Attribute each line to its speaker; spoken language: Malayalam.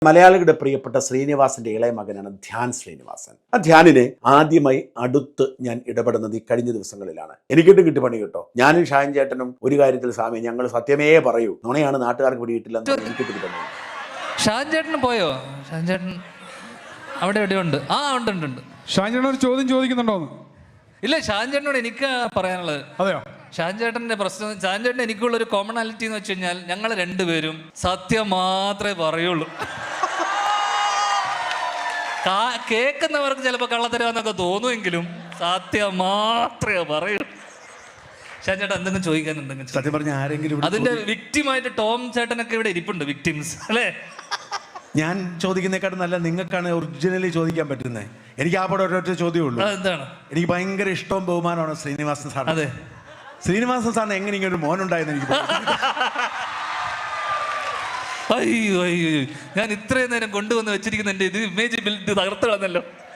Speaker 1: മലയാളികളുടെ പ്രിയപ്പെട്ട ശ്രീനിവാസന്റെ ഇളയ മകനാണ് ധ്യാൻ ശ്രീനിവാസൻ. ആ ധ്യാനിനെ ആദ്യമായി അടുത്ത് ഞാൻ ഇടപെടുന്നത് ഈ കഴിഞ്ഞ ദിവസങ്ങളിലാണ്. എനിക്കിട്ട് കിട്ടി പണി കേട്ടോ. ഞാനും ഷാൻ ചേട്ടനും ഒരു കാര്യത്തിൽ സ്വാമി ഞങ്ങൾ സത്യമേ പറയൂ, നുണയാണ് നാട്ടുകാർക്ക് പിടിയിട്ടില്ലെന്ന് എനിക്കിട്ട് കിട്ടി പണി.
Speaker 2: ഷാൻ ചേട്ടന് പോയോ? ഷാൻ ചേട്ടൻ അവിടെ എവിടെയുണ്ട്? ആ ഉണ്ട്.
Speaker 3: ഷാൻ ചേട്ടൻ ഒരു ചോദ്യം ചോദിക്കുന്നുണ്ടോന്ന്?
Speaker 2: ഇല്ല, ഷാൻ ചേട്ടനോട് എനിക്ക് പറയാനുള്ളത്.
Speaker 3: അതെയോ?
Speaker 2: ഷാൻ ചേട്ടന്റെ പ്രശ്നം, ഷാൻ ചേട്ടൻ എനിക്കുള്ളൊരു കോമണാലിറ്റി എന്ന് വെച്ച് കഴിഞ്ഞാൽ ഞങ്ങൾ രണ്ടുപേരും സത്യം മാത്രമേ പറയുള്ളൂ. കേൾക്കുന്നവർക്ക് ചിലപ്പോൾ കള്ളത്തരാന്നൊക്കെ തോന്നുമെങ്കിലും സത്യം മാത്രമേ പറയൂ. ഷാൻ ചേട്ടൻ എന്തെങ്കിലും ചോദിക്കാൻ
Speaker 1: സത്യം പറഞ്ഞ ആരെങ്കിലും
Speaker 2: അതിന്റെ വിക്ടിമായിട്ട് ടോം ചേട്ടനൊക്കെ ഇവിടെ ഇരിപ്പുണ്ട്, വിക്ടിംസ് അല്ലേ?
Speaker 1: ഞാൻ ചോദിക്കുന്നേക്കാട്ടും നല്ല നിങ്ങൾക്കാണ് ഒറിജിനലി ചോദിക്കാൻ പറ്റുന്നത്. എനിക്ക് ആ പടം ഒരൊറ്റ ചോദ്യമേ ഉള്ളൂ.
Speaker 2: എന്താണ്?
Speaker 1: എനിക്ക് ഭയങ്കര ഇഷ്ടവും ബഹുമാനമാണ് ശ്രീനിവാസൻ സാർ.
Speaker 2: അതെ,
Speaker 1: ശ്രീനിവാസൻ സാറിന് എങ്ങനെ ഇങ്ങനെ ഒരു മോനുണ്ടായെന്ന് എനിക്ക്
Speaker 2: അയ്യോ ഞാൻ ഇത്രയും നേരം കൊണ്ടുവന്ന് വെച്ചിരിക്കുന്ന എൻ്റെ ഇത് ഇമേജ് ബിൽഡ് തകർത്ത് കളഞ്ഞല്ലോ.